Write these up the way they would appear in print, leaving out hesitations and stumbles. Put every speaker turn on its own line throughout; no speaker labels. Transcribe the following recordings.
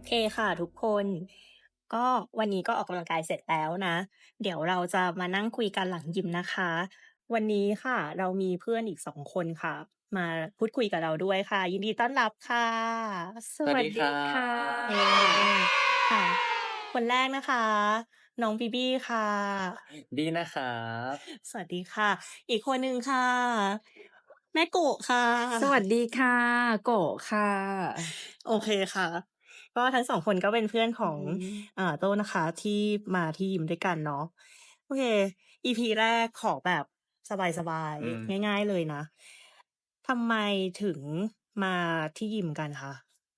เคค่ะทุกคนก็วันนี้ก็ออกกำลังกายเสร็จแล้วนะเดี๋ยวเราจะมานั่งคุยกันหลังยิมนะคะวันนี้ค่ะเรามีเพื่อนอีก2 คนค่ะมาพูดคุยกับเราด้วยค่ะยินดีต้อนรับค่ะ
สวัสดี
สวัสดีครั
ค่
เอ
ะ
ค่ะคนแรกนะคะน้องบีบีค่ะ
ดีนะครับ
สวัสดีค่ะอีกคนหนึ่งค่ะแม่โกะค่ะ
สวัสดีค่ะโกะค่ะ
โอเคค่ะก็ทั้ง2 คนก็เป็นเพื่อนของ
อือฮึ
โต้นะคะที่มาที่ยิมด้วยกันเนาะโอเค EP แรกขอแบบสบาย
อืม
ๆง่ายๆเลยนะทำไมถึงมาที่ยิมกันคะ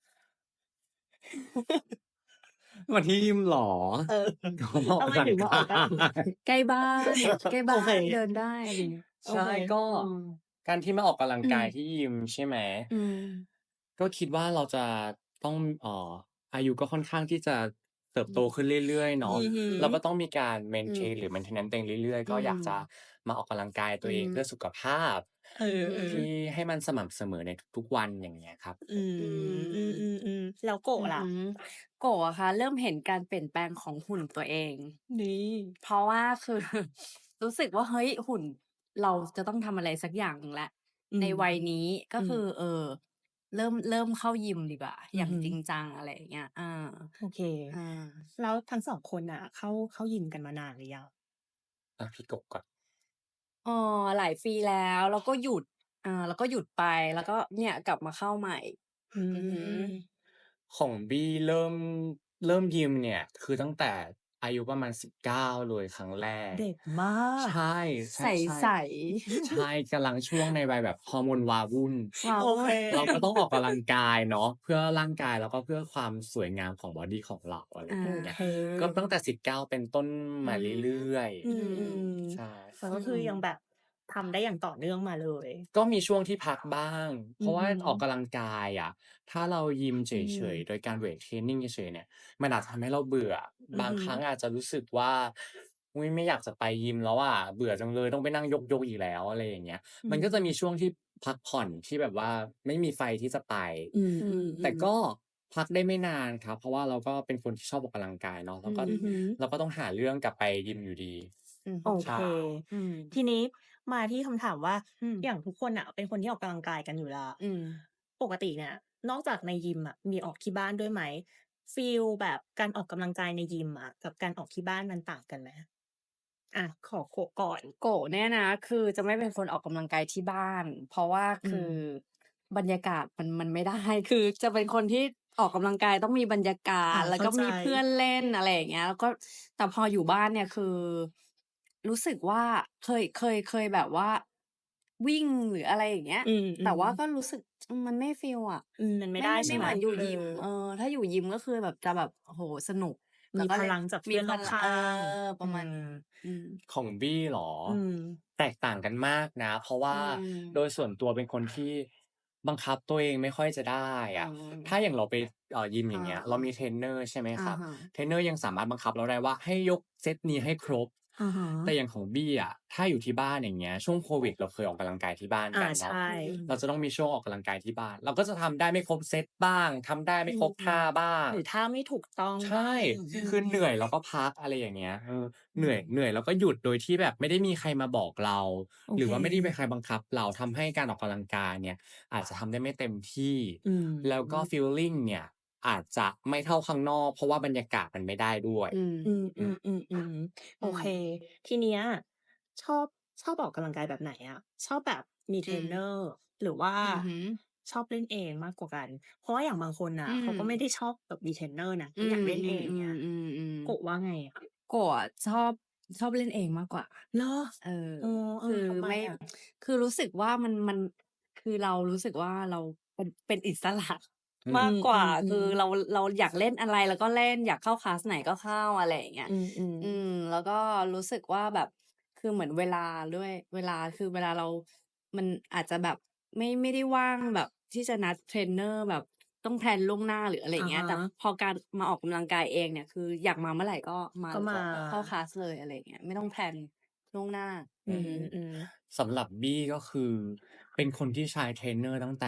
มาที่ยิมเหรอ
เออ
ก็ออก
ทำไม
กำลังก
ถึงมาออกกำลัง
า
กาย
ย
ใกล้บ้านใกล้
โอ
บ้า
เค
นเดินได้อะไรอย่างเงี้ย
โอ
ใช่
เค
ก็
อืม
การที่มาออกกำลัง
อืม
กายที่ยิมใช่ไหม
อืม
ก็คิดว่าเราจะต้องอายุก็ค่อนข้างที่จะเติบ
อื
โตขึ้นเรื่อยๆ
อื
เนาะ
อฮึ
เราก็ต้องมีการ
อืม
maintain หรือ maintenance ตัวเองเรื่อยๆ
อื
ก็อยากจะ
ม
มาออกกำลังกาย
อื
ตัวเอง
ม
เพื่อสุขภาพ
เอ
อือฮึ
ที่ให้มันสม่ำเสมอในทุกๆวันอย่างเงี้ยครับ
ๆอื
อื
มอื
ม
อๆๆแล้วโกะล่ะ
อือฮึโกะอะค่ะเริ่มเห็นการเปลี่ยนแปลงของหุ่นตัวเอง
นี่
เพราะว่าคือรู้สึกว่าเฮ้ยหุ่นเราจะต้องทำอะไรสักอย่างหนึ่งแล้ว
อืม
ในวัยนี้ก็
อืม
คือเริ่มเข้ายิมดีกว่าอย่าง
อือฮึ
จริงจังอะไรอย่างเงี้ย
โอเค
อา
แล้วทั้ง2 คนน่ะเข้ายิมกันมานานหรือยัง
พี่กบก่อน
เอหลายปีแล้วแล้วก็หยุดแล้วก็หยุดไปแล้วก็เนี่ยกลับมาเข้าใหม่
อื
อือฮึ
ม
ของบี้เริ่มยิมเนี่ยคือตั้งแต่อายุประมาณ19เลยครั้งแรก
เด็กมาก
ใช่
ใ
ใช่
ส
ๆใช่กำลังช่วงในวัยแบบฮอร์โมนวาวุ่น
ๆว้าว
โอเค
เราก็ต้องออกกำลังกายเนาะเพื่อร่างกายแล้วก็เพื่อความสวยงามของบอดีของเราอะไร
อา
อย่างเงี้ย
โอเค
ก็ตั้งแต่19เป็นต้น
อื
มา
อฮึ
เรื่อย
อื
อืม
ม
ๆใช่
ๆแต่
อื
ก็คือ
ม
ยังแบบทำได้อย่างต่อเนื่องมาเลย
ก็มีช่วงที่พักบ้าง เพราะว่า
อือฮึ
ออกกำลังกายอะถ้าเรายิมเฉ
อืม
ยๆ โดยการเวตเทรนนิงเฉยๆเนี่ยมันอาจทำให้เราเบื่อ บาง
อือฮึ
ครั้งอาจจะรู้สึกว่าอุ๊ยไม่อยากจะไปยิมแล้วอะเบื่อจังเลยต้องไปนั่งยกๆอีกแล้วอะไรอย่างเงี้ย
อื
มันก็จะมี
ม
ช่วงที่พักผ่อนที่แบบว่าไม่มีไฟที่จะไป
อื
อื
แต่
ม
ก็
ๆ
พักได้ไม่นานครับเพราะว่าเราก็เป็นคนที่ชอบออกกำลังกายเนาะ
อื
แล้วก็
อือฮึ
เราก็ต้องหาเรื่องกลับไปยิมอยู่ดี
อือฮึ
โอเค
ใช่
อืม
ทีนี้มาที่คำถามว่า
อืม
อย่างทุกคนน่ะเป็นคนที่ออกกำลังกายกันอยู่แล้ว
อืม
ปกติเนี่ยนอกจากในยิมอะมีออกที่บ้านด้วยไหมฟีลแบบการออกกำลังกายในยิมอะกับการออกที่บ้านมันต่างกันไหมขอโกะก่อน
โกะเนี่ยนะคือจะไม่เป็นคนออกกำลังกายที่บ้านเพราะว่า
อืม
คือบรรยากาศมันไม่ได้คือจะเป็นคนที่ออกกำลังกายต้องมีบรรยากาศแล้ว
เข้าใจ
ก็มีเพื่อนเล่นอะไรอย่างเงี้ยแล้วก็แต่พออยู่บ้านเนี่ยคือรู้สึกว่าเคยแบบว่าวิ่งหรืออะไรอย่างเงี้ย
อื
แต่
ม
ว่าก็
ๆ
รู้สึกมันไม่ฟีลอะ
มันไม่
ไม่
ได้ใช่ไหม
เหมือนอยู่
เอ
ยิม
อ
ถ้าอยู่ยิมก็คือแบบจะแบบโอ้โฮสนุกแล้ว
มี
ก็เล่น
พลังจาก
มี
เพื่อนรอบข้าง
ประ
อื
มาณนี้
ม
อืม
ของบี้เหรอ
อืม
แตกต่างกันมากนะเพราะ
อื
ว่าโดย
ม
ส่วนตัวเป็นคนที่บังคับตัวเองไม่ค่อยจะได้
อื
อะถ้า
ม
อย่างเราไปยิมอ
อา
ย่างเงี้ยเรามีเทรนเนอร์ใช่ไหมครับ
อะฮะ
เทรนเนอร์ยังสามารถบังคับเราได้ว่าให้ยกเซตนี้ให้ครบ
อะฮะ
แต่อย่างของบี้อะถ้าอยู่ที่บ้านอย่างเงี้ยช่วงโควิดเราเคยออกกำลังกายที่บ้านกันเนาะ
ใช่
อืม
เราจะต้องมีช่วงออกกำลังกายที่บ้านเราก็จะทำได้ไม่ครบเซตบ้างทำได้
อื
ไม่ครบท่า
ม
บ้าง
หรือถ้าไม่ถูกต้อง
ใช่
บ้างอื
คือเหนื่อย
ม
เราก็พักอะไรอย่างเงี้ย
อื
เหนื่อย
ม
แล้วก็หยุดโดยที่แบบไม่ได้มีใครมาบอกเรา
โอเค
หรือว่าไม่ได้มีใครบังคับเราทำให้การออกกำลังกายเนี่ยอาจจะทำได้ไม่เต็มที่
อื
แล้วก็
ม
ฟีลลิงเนี่ยอาจจะไม่เท่าข้างนอกเพราะว่าบรรยากาศมันไม่ได้ด้วย
อืม
อื
อืม
มๆๆๆโอ
อืม
เคทีเนี้ยชอบชอบออกกำลังกายแบบไหนอะชอบแบบมีเทร
อืม
นเนอร์หรือว่า
อือฮึ
ชอบเล่นเองมากกว่ากันเพราะว่าอย่างบางคนน่ะ
อืม
เขาก็ไม่ได้ชอบแบบมีเทรนเนอร์นะ
อื
ก็อยากเล่นเองเงี้ย
ม
โกะว่าไงอะ
โกะอะชอบเล่นเองมากกว่า
เหรอ
เออ
อ๋อ
คือ
ทำไม
ไม่
อะ
คือรู้สึกว่ามันคือเรารู้สึกว่าเราเป็นอิสระ
อืม
มากกว่า
อื
คือ
มๆๆ
เราอยากเล่นอะไรเราก็เล่นอยากเข้าคลาสไหนก็เข้าอะไรอย่างเงี้ย
อืม
แล้วก็รู้สึกว่าแบบคือเหมือนเวลาด้วยเวลาคือเวลาเรามันอาจจะแบบไม่ได้ว่างแบบที่จะนัดเทรนเนอร์แบบต้องแพลนล่วงหน้าหรืออะไร
ๆอะฮะ
อย่างเงี้ยแต่พอการมาออกกำลังกายเองเนี่ยคืออยากมาเมื่อไหร่ก็มา
ก็มา
เข้าคลาสเลยอะไรอย่างเงี้ยไม่ต้องแพลนล่วงหน้า
อื
อือฮึ
มๆ
สำหรับบี้ก็คือเป็นคนที่ใช้เทรนเนอร์ตั้งแต่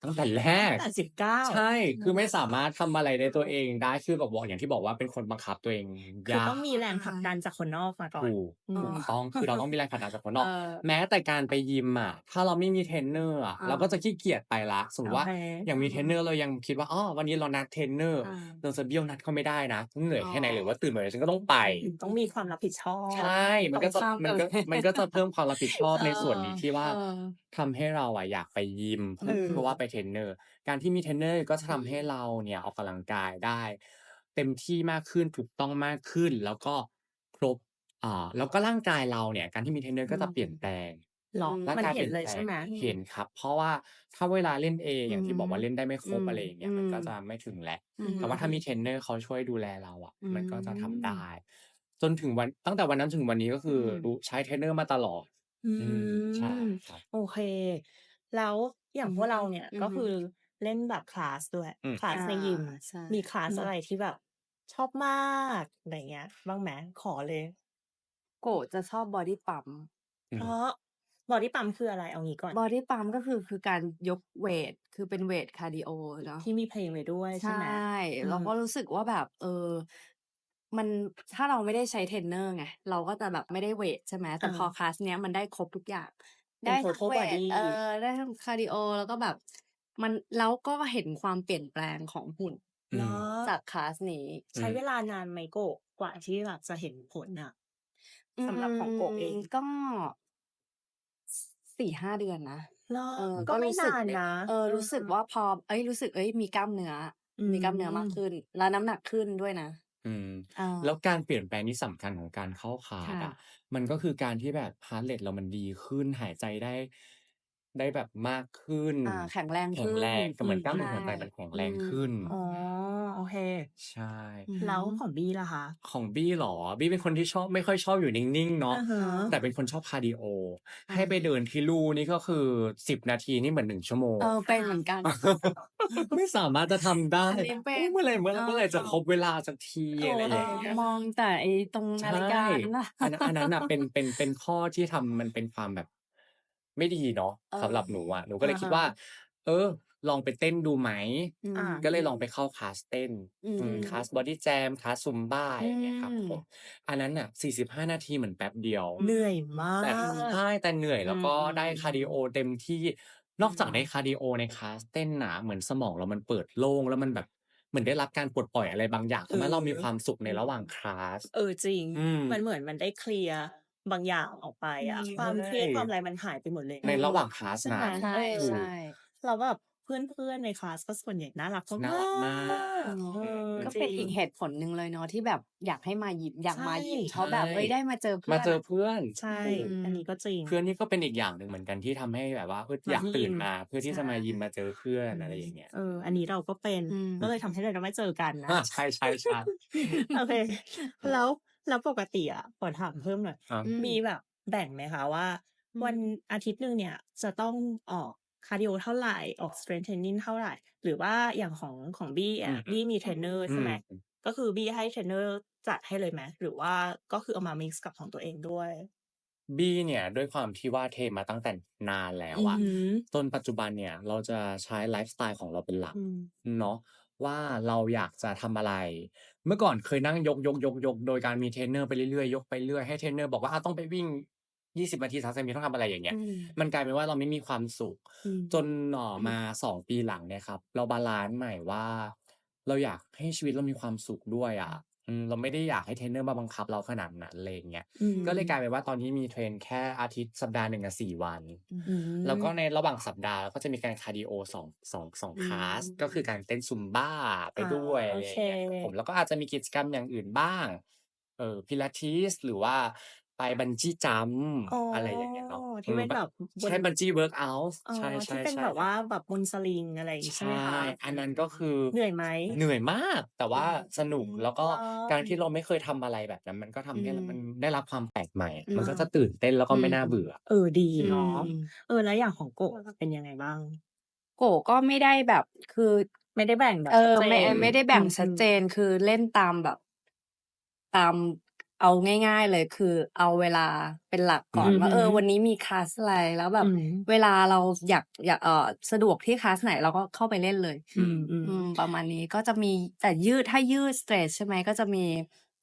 ตั้งแต่แร
ตั้ง
ก
แต่ 19
ใช่ คือไม่สามารถทำอะไรได้ตัวเองได้ คือแบบบอกอย่างที่บอกว่าเป็นคนบังคับตัวเอง
คือย
า
ต้องมีแรงผลักดันจากคนนอกมาก่อน
ถูก
อื
ถู
ม
กต้อง คือเราต้องมีแรงผลักดันจากคนน
เอ
อก
อ
แม้แต่การไปยิมอะ ถ้าเราไม่มีเทรนเนอร์อะ
อา
เราก็จะขี้เกียจไปแล้ว สมมุติว่า
โอเค
อย่างมีเทรนเนอร์เรายังคิดว่า อ้อ วันนี้เรานัดเทรนเนอร์
อา
เราจะเบี้ยวนัดเขาไม่ได้นะ เหนื่อย
อ๋อ
แค่ไหน หรือว่าตื่นมาฉันก็ต้องไป
ต้องมีความรับผิดชอ
ใช
บ
่ มั
ต
นก็จะ
ตรงข้าม
มั
กัน
น
เล
ก็
ย
มันก็จะเพิ่มความรับผิดชอบ
เออ
ในส่วนนี้ที่ว่า
เออ
ทำให้เราอะอยากไปยิม
อืม
เพราะว่าไปเทรนเนอร์ การที่มีเทรนเนอร์ก็จะทำให้เราเนี่ยออกกำลังกายได้เต็มที่มากขึ้น ถูกต้องมากขึ้น แล้วก็ครบ แล้วก็ร่างกายเราเนี่ย การที่มีเทรนเนอร์ก็จะเปลี่ยนแปลง
เหรอ
อืม
ร่าง
มัน
กาย
เ
เ
ห
ป็
นเลยใช่
ลี่ยนแปลง
ไหม?
เห็นครับ เพราะว่าถ้าเวลาเล่นเอง
อื
อย่างที่บอกว่าเล่นได้ไม่ครบ
อืม
อะไรอย่างเงี้ย มันก็จะไม่ถึงแล้ว
อืม
แต่ว่าถ้ามีเทรนเนอร์เขาช่วยดูแลเราอะ
อื
มันก็จะทำได้
ม
จนถึงวัน ตั้งแต่วันนั้นถึงวันนี้ ก็คือ
อืม
ใช้เทรนเนอร์มาตลอด
อื
อืม ใช่
ม
ครับ
โอเค แล้วอย่
อ
า
ือฮ
งพว
ึ
กเราเนี่ย
อือฮึ
ก็คือเล่นแบบคลาสด้วย
อืม
คลา
อา
สในยิม
ใช่
มีคลาส
อืม
อะไรที่แบบชอบมาก อะไรอย่างเงี้ย บ้างไหม? ขอเลย
โกะจะชอบบอดี้พัมป์
อืม
เพราะ บอดี้พัมป์คืออะไร? เอางี้ก่อน
บอดี้พัมป์ก็คือการยกเวต คือเป็นเวตคาร์ดีโอเนาะ
ที่มีเพลงไว้ด้วย
ใช
ใช่
่
ไหม? อื
เรา
ม
ก็รู้สึกว่าแบบ มัน ถ้าเราไม่ได้ใช้เทรนเนอร์ไง เราก็จะแบบไม่ได้เวต ใช่ไหม แต่พอ
อา
คลาสเนี้ยมันได้ครบทุกอย่าง
เป
ได็้
น
ทั้ง
total
เวต
body
ได้ทั้งคาร์ดีโอ แล้วก็แบบมัน แล้วก็เห็นความเปลี่ยนแปลงของหุ่น
อื
เหรอ?
ม
จากคลาสนี้
ใช้เวลานานไหมโกะ กว่าที่แบบจะเห็นผลน่ะ?
อื
สำหรับของโกะเอง
ก็ 4-5 เดือนนะ
เหรอ? ก
ก็็
ไม่
รู้
น
สึก
านนะ
รู้สึกว่าพอ รู้สึก มีกล้ามเนื้อ
อื
มีกล้ามเนื้อมากข
ม
ึ้น แล้วน้ำหนักขึ้นด้วยนะ
อืม
เออ
แล้วการเปลี่ยนแปลงที่สำคัญของการเข้าคลา
ค
ส่อะ
ะ
มันก็คือการที่แบบ heart rate เรามันดีขึ้น หายใจได้ ได้แบบมากขึ้น
แข็งแรง
แข
ข็ึ้น
งแรง ก็เหมือนกล้าม
ใช
เนื้อหัวใจมัน่แข็ง
อืม
แรงขึ้น
อ๋อ โอเค
ใช่
อือฮ
แ
ึ
ล้วของบี้ล่ะคะ?
ของบี้เหรอ? บี้เป็นคนที่ชอบ ไม่ค่อยชอบอยู่นิ่ง ๆ เนา
อ
ะ
ะฮ
อา
แต่
ะ
เป็นคนชอบคาร์ดีโอ
อ
ให้ไป
า
เดินที่ลู่นี่ก็คือ 10 นาทีนี่เหมือน 1 ชั่วโมง
เป็นเหมือนกัน
ไม่สามารถจะทำได้
อันนี้เป็
อุ๊ย
น
เมื่อไหร่จะครบเวลาสักที
โอ้
อะไรอย่างเงี้ย
มองแต่ไอ้ตรง
ใช
นาฬิ
่
กานั่นน่ะ
อันนั้นน่ะเป็นข้อที่ทำ มันเป็นความแบบไม่ดีเนาะ
เออ
สำหรับหนูอะ หนูก็
อ
เล
ะฮ
ยคิดว่า
ะ
ลองไปเต้นดูไหม
อื
อา
ก็เลยลอง
ม
ไปเข้าคลาสเต้น
อื
คลาส
ม
บอดี้แจม คลาสซุมบ้า
อื
อย่างเงี้ยครับผม
ม
อันนั้นน่ะ 45 นาทีเหมือนแป๊บเดียว
อื
เหนื่อยม
ม
า
แต่
อืม
ใช่ แต่เหนื่อย
อื
แล้วก็ได้คาร์ดี
ม
โอ
ๆ ๆ
เต็มที่ นอกจากได้คาร์ดีโอในคลาสเต้นน่ะ เหมือนสมองเรามันเปิดโล่ง แล้วมันแบบเหมือนได้รับการปลดปล่อยอะไรบางอย่าง ทำให้เรามีความสุขในระหว่างคลาส
จริง
อืม
มันเหมือนมันได้เคลียร์บางอย่างออกไป
อื
อะ
ม
ความเครียด ความ
ใช่
อะไรมันหายไปหมดเลย
ใน
นะ
ระหว่างคลาส
ใช่ไ
น
หม?
ะ
ใช่
ถูก
แล้วแบบเพื่อน ๆ ในคลาสก็ส่วนใหญ่น่ารัก
น่า
มา
รักมาก
ก
เนาะ
ๆ
ก็
จร
เป็
ิง
นอีกเหตุผลหนึ่งเลยเนาะ ที่แบบอยากให้มายิม อยา
ใ
ก
ช่
มายิม
ใ
เพ
ช
ราะแบบ
่
ได้มาเจอเพื
มา
่อน
เจอ
อะ
เพื่อน
ใช่
อื
อันนี้
ม
ก็จริง
เพื่อนนี่ก็เป็นอีกอย่างหนึ่งเหมือนกันที่ทำให้แบบว่า
ม
อย
า
าก
ที่ย
ตื่
ิม
นมาเพื่อ
ใช
ที่จะมายิม
่
มาเจอเพื่อน
อื
อะไร
ม
อย่างเงี้ย
อันนี้เราก็เป็น
อื
ก็เลย
ม
ทำให้เราไม่เจอกันนะ
ใช่ ๆ ๆ
โอเค แล้วปกติอะ ขอถามเพิ่มหน่อย
ครับ
อืม
มีแบบแบ่งไหมคะว่า
อื
วัน
ม
อาทิตย์หนึ่งเนี่ยจะต้องออกคาร์ดีโอเท่าไร ออก strength training เท่าไร หรือว่าอย่างของบี้
อื
อะ
อฮึ
บี้มีเทรนเนอร์ใช่ไหม
อืม
ก็คือบี้ให้เทรนเนอร์จัดให้เลยไหม หรือว่าก็คือเอามา มิกซ์กับของตัวเองด้วย?
บี้เนี่ยด้วยความที่ว่าเทรนมาตั้งแต่นานแล้วอะ
อือฮึ
จนปัจจุบันเนี่ยเราจะใช้ไลฟ์สไตล์ของเราเป็นหลัก
อืม
เนาะ ว่าเราอยากจะทำอะไร เมื่อก่อนเคยนั่งยก ๆ ๆ ๆ โดยการมีเทรนเนอร์ไปเรื่อย ๆ ยกไปเรื่อย ให้เทรนเนอร์บอกว่า ต้องไปวิ่ง 20 นาที 30 นาที ต้องทำอะไรอย่างเงี้
อื
ย
ม
มันกลายเป็นว่าเราไม่มีความสุข
อืม
จน มา 2 ปีหลังเนี่ยครับ เราบาลันซ์ใหม่ว่า เราอยากให้ชีวิตเรามีความสุขด้วยอะ เราไม่ได้อยากให้เทรนเนอร์มาบังคับเราขนาดนั้น อะไรอย่างเงี้ย
อื
ก็เลยกลาย
ม
เป็นว่าตอนนี้มีเทรนแค่อาทิตย์ สัปดาห์หนึ่งอะ 4 วัน
อืม
อื
แล้วก็
ม
ในระหว่างสัปดาห์เราก็จะมีการคาร์ดีโอ 2
อื
คลาส ก็คือ
ม
การเต้นซุมบ้าไปด้วย
โอ
อะไรอ
เค
ย่างเงี้ยครับผม แล้วก็อาจจะมีกิจกรรมอย่างอื่นบ้าง Pilates หรือว่าไป Bungee jump
อ๋อ
อะไรอย่างเงี้ยเนาะ
ที่เป็นแบบ
ใ
บ
ช่
น
Bungee workout
อ๋อ
ใช่
ที่เป็น
ๆ
แบบ
ๆ ค
ว
ร่ั
า
บ
แบบบนสลิง อะไรอย่างงี้
ใ
ใ
ช
ช่ไหมคะ?
อันนั้นก็คือ
เหนื่อยไหม?
เหนื่อยมาก แต่ว่าสนุก แล้วก็
เหรอ?
การที่เราไม่เคยทำอะไรแบบนั้น มันก็
อื
ทำให้มัน
ม
ได้รับความแปลกใหม่
อืม
มันก็จะตื่นเต้นแล้ว
อ
ก็
ื
ไม่
ม
น่าเบื่อ
ดี
อื
เนาะ
ม
แล้วอย่างของโกะเป็นยังไงบ้าง?
โกะก็ไม่ได้แบบ คือ
ไม่ได้แบ่งแบบชัดเจ
ไม่
น
ไม่ได้แบ่งชั
อืม
ดเจน คือเล่นตามแบบ ตามเอาง่ายๆเลยคือเอาเวลาเป็นหลักก่อ
อื
น
อ
ว่า
ฮึ
วันนี้มีคลาสอะไร แล้วแบ
อื
บ
ม
เวลาเราอยากสะดวกที่คลาสไหนเราก็เข้าไปเล่นเลย
อืม
ประมาณนี้ ก็จะมีแต่ถ้ายืด stretch ใช่ไหม ก็จะมี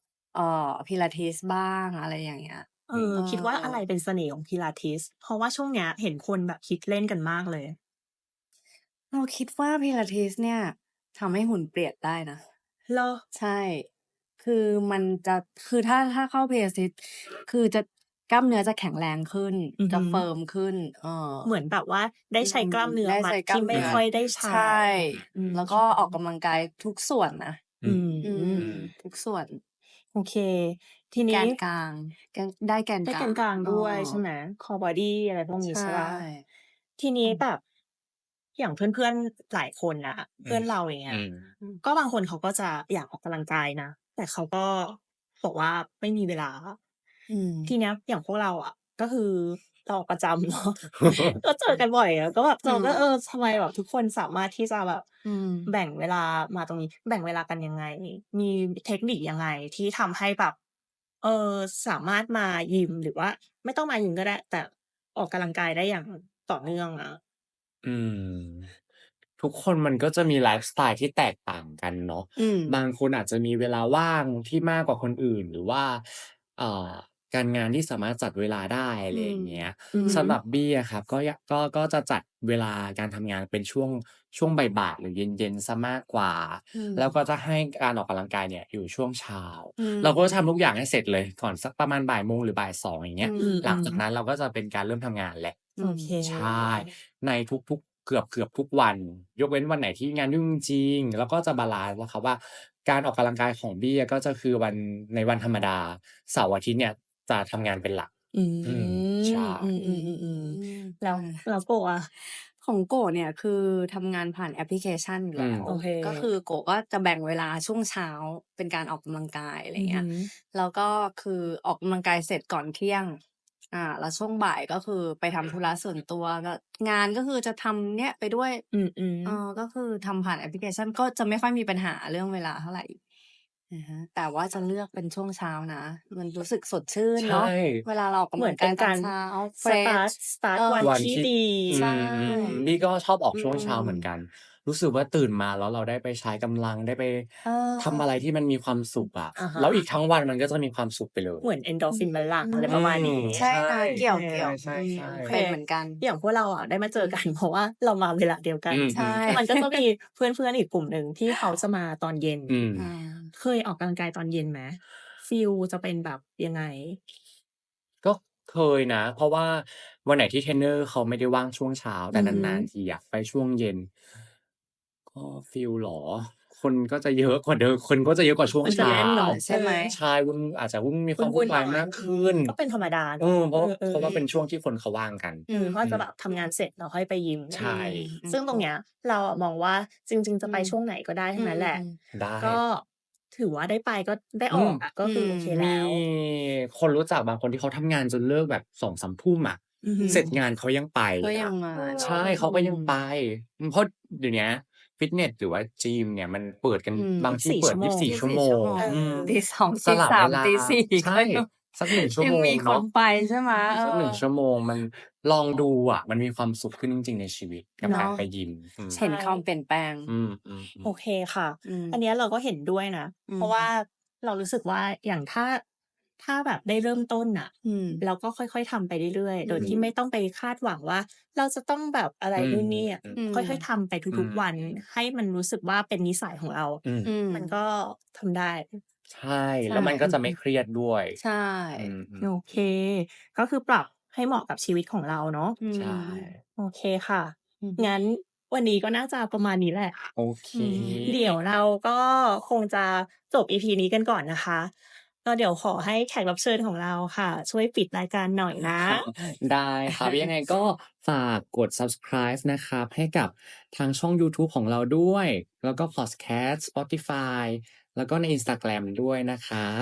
Pilates บ้าง อะไรอย่างเงี้ย
คิดว่าอะไรเป็นเสน่ห์ของ Pilates เพราะว่าช่วงเนี้ยเห็นคนแบบฮิตเล่นกันมากเลย
เราคิดว่า Pilates เนี่ยทำให้หุ่นเปลี่ยนได้นะ
เหรอ?
ใช่ คือมันจะ คือถ้าเข้า Pilates คือกล้ามเนื้อจะแข็งแรงขึ้น
อือ
จะ
ฮึ
เฟิร์มขึ้น
เหมือนแบบว่าได้ใช้กล้ามเนื้อ
ได้
มัด
ใช้ก
ท
ล้า
ี่
ม
ไม่
เนื้อ
ค่อยได้ใช้
ใช่
อืม
แล้วก็ออกกำลังกายทุกส่วนนะ
อื
อื
ม
ม
ทุกส่วน
โอเค ที
แก
นี้
นกลาง ได้แกน
ได้
ก
แกนกลางด้วยใช่ไหม Core Body อะไรพวกนี้
ใช่
ใช่เปล่า? ทีนี้แบบ อย่างเพื่อน ๆ หลายคนน่ะ เพื่อนเรา อย่างเงี้ย ก็บางคนเขาก็จะอยากออกกำลังกายนะ แต่เขาก็บอกว่าไม่มีเวลา ทีเนี้ยอย่างพวกเราอะ ก็คือเราออกประจำ เนาะ ก็เจอกันบ่อยอะ ก็แบบเราก็ ทำไมแบบทุกคนสามารถที่จะแบบแบ่งเวลามาตรงนี้ แบ่งเวลากันยังไง มีเทคนิคยังไงที่ทำให้แบบ สามารถมายิม หรือว่าไม่ต้องมายิมก็ได้ แต่ออกกำลังกายได้อย่างต่อเนื่องอะ?
อืม ทุกคนมันก็จะมีไลฟ์สไตล์ที่แตกต่างกันเนาะ บางคนอาจจะมีเวลาว่างที่มากกว่าคนอื่น หรือว่า อ่า การงานที่สามารถจัดเวลาได้ อะไรอย่างเงี้ย
อือฮึ
สำหรับบี้อะครับ ก็จะจัดเวลาการทำงานเป็นช่วงบ่าย ๆ หรือเย็น ๆ เสียมากกว่า แล้วก็จะให้การออกกำลังกายเนี่ยอยู่ช่วงเช้า เราก็จะทำทุกอย่างให้เสร็จเลยก่อนสักประมาณ 13:00 หรือ 14:00 อย่างเงี้ย หลังจากนั้นเราก็จะเป็นการเริ่มทำงานแล้ว
โอเค
ใช่ ในทุก ๆ เกือบทุกวัน ยกเว้นวันไหนที่งานยุ่งจริง ๆ เราก็จะบาลันซ์นะครับว่า การออกกำลังกายของบี้อะก็จะคือในวันธรรมดา เสาร์อาทิตย์เนี่ยจะทำงานเป็นหลัก
อื
ใช่
ม ๆ ๆ ๆ แล้วโกะอะ?
ของโกะเนี่ยคือทำงานผ่านแอปพลิเคชันอยู่แล้ว
โอเค
ก็คือโกะก็จะแบ่งเวลาช่วงเช้าเป็นการออกกำลังกาย อะไรเงี้ย แล้วก็คือออกกำลังกายเสร็จก่อนเที่ยง แล้วช่วงบ่ายก็คือไปทำธุระส่วนตัว ก็งานก็คือจะทำเนี่ยไปด้วย
อืม
ก็คือทำผ่านแอปพลิเคชัน ก็จะไม่ค่อยมีปัญหาเรื่องเวลาเท่าไร แต่ว่าจะเลือกเป็นช่วงเช้านะ มันรู้สึกสดชื่น
ใช
เนาะ
่
เวลาเราออกกำ
เหมื
ลั
อน
ง
เป
ก็ายตอก
นาน ร
เช้า เฟรช
สตาร์ต วัน
วัน
ที่
ที่
ดี
ใช่
บี้ก็ชอบออกช่วงเช้าเหมือนกัน รู้สึกว่าตื่นมาแล้วเราได้ไปใช้กำลัง ได้ไปทำอะไรที่มันมีความสุขอะ
อะฮะ
แล้วอีกทั้งวันมันก็จะมีความสุขไปเลย
เหมือน Endorphin มันหลั่ง อะไรประมาณนี้
ใช่นะ เกี่ยว
ใช่
โอเค
ๆ
เป็นเหมือนกัน
อย่างพวกเราอะได้มาเจอ กัน เพราะว่าเรามาเวลาเดียวกัน
อืม
ใช่
มันก็จะมีเพื่อน ๆ อีกกลุ่มหนึ่งที่เขาจะมาตอนเย็น เคยออกกำลังกายตอนเย็นไหม? ฟีลจะเป็นแบบยังไง?
ก็เคยนะ เพราะว่าวันไหนที่เทรนเนอร์เขาไม่ได้ว่างช่วงเช้า แต่นาน ๆ ทีอะไปช่วงเย็น ก็ฟีลเหรอ? คนก็จะเยอะกว่าเดิม คนก็จะเยอะกว่าช่วง
มัน
เ
จะ
ช้า
แน่นเนาะ
ใช่ไหม?
ใช่ อาจจะมีความ
วุ
วุ่่
น
น
ๆ
วา
หน่อย
ยมากขึ้น
ก็เป็นธรรมดาเนาะ
เพราะว่าเป็นช่วงที่คนเขาว่างกัน
เขาอาจจะแบบทำงานเสร็จแล้วค่อยไปยิม
ใช่
ซึ่งตรงเนี้ยเราอะมองว่าจริง ๆ จะไปช่วงไหนก็ได้ทั้งนั้นแหละ
ได้
ก็ถือว่าได้ไปก็ได้ออกอะ ก็คือโอเคแ
ม
ลี้ว
คนรู้จักบางคนที่เขาทำงานจนเลิกแบบ 2-3 ทุ่มอะ
อือฮึ
เสร็จงานเขายังไป
ก็ยั
อะ
งมา
ใช่ เขาก็ยังไป เพราะเดี๋ยวเนี้ยฟิตเนสหรือว่ายิมเนี่ยมันเปิดกัน บางที่
24
เปิ
ชั
ด่
่วโมง
24 ชั่วโมง
ตี 2
ส
ตี
ลับเว
3
ลา
ตี 4
ใช่ สัก 1 ชั่ว
ยั
โมง
มีค
เนาะ
นไปใช่ไหม?
สัก 1 ชั่วโมง มันลองดูอะ มันมีความสุขขึ้นจริง ๆ ในชีวิตกับ
เน
การ
าะ
ไปยิม
เห็นความเปลี่ยนแปลง
อืม
โอ
ๆ ๆ
เคค่ะ
อืม
อันเนี้ยเราก็เห็นด้วยนะ เพราะว่าเรารู้สึกว่าอย่างถ้าแบบได้เริ่มต้นน่ะ เราก็ค่อย ๆ ทำไปเรื่อย ๆ โดยที่ไม่ต้องไปคาดหวังว่าเราจะต้องแบบอะไรนู่นนี่อะ ค่อย ๆ ทำไปทุก ๆ วัน ให้มันรู้สึกว่าเป็นนิสัยของเรา มันก็ทำได้
ใช่ แล้วมันก็จะไม่เครียดด้วย
ใช่
อืม
โอเค ก็คือปรับให้เหมาะกับชีวิตของเราเนาะ
ใช่
โอเคค่ะ งั้นวันนี้ก็น่าจะประมาณนี้แหละ
โอเค
เดี๋ยวเราก็คงจะจบ EP นี้กันก่อนนะคะ ก็เดี๋ยวขอให้แขกรับเชิญของเราค่ะ ช่วยปิดรายการหน่อยนะ
ได้ครับ ยังไงก็ฝากกด Subscribe นะครับ ให้กับทางช่องยูทูบของเราด้วย แล้วก็พอดแคสต์ Spotify แล้วก็ใน Instagram ด้วยนะครับ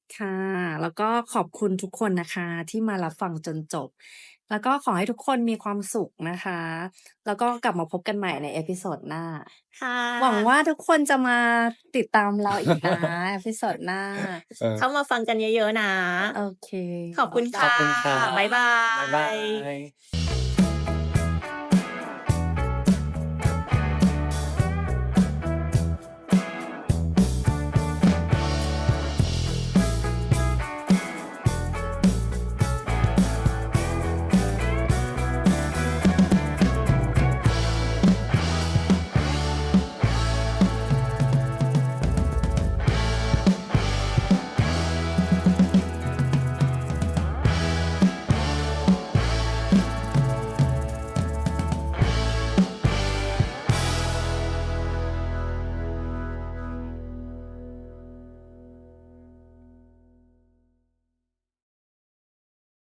ค่ะ แล้วก็ขอบคุณทุกคนนะคะที่มารับฟังจนจบ แล้วก็ขอให้ทุกคนมีความสุขนะคะ แล้วก็กลับมาพบกันใหม่ในเอพิโซดหน้า
ค่
หวังว่า
ะ
ทุกคนจะมาติดตามเราอีกนะ เอพิโซดหน้า
เออ
เข้ามาฟังกันเยอะๆนะ
โอเค
ขอบคุณ
ข
ค่
อบ
ะ
คุณครับ
บ๊ายบา
บ๊ายบาย ย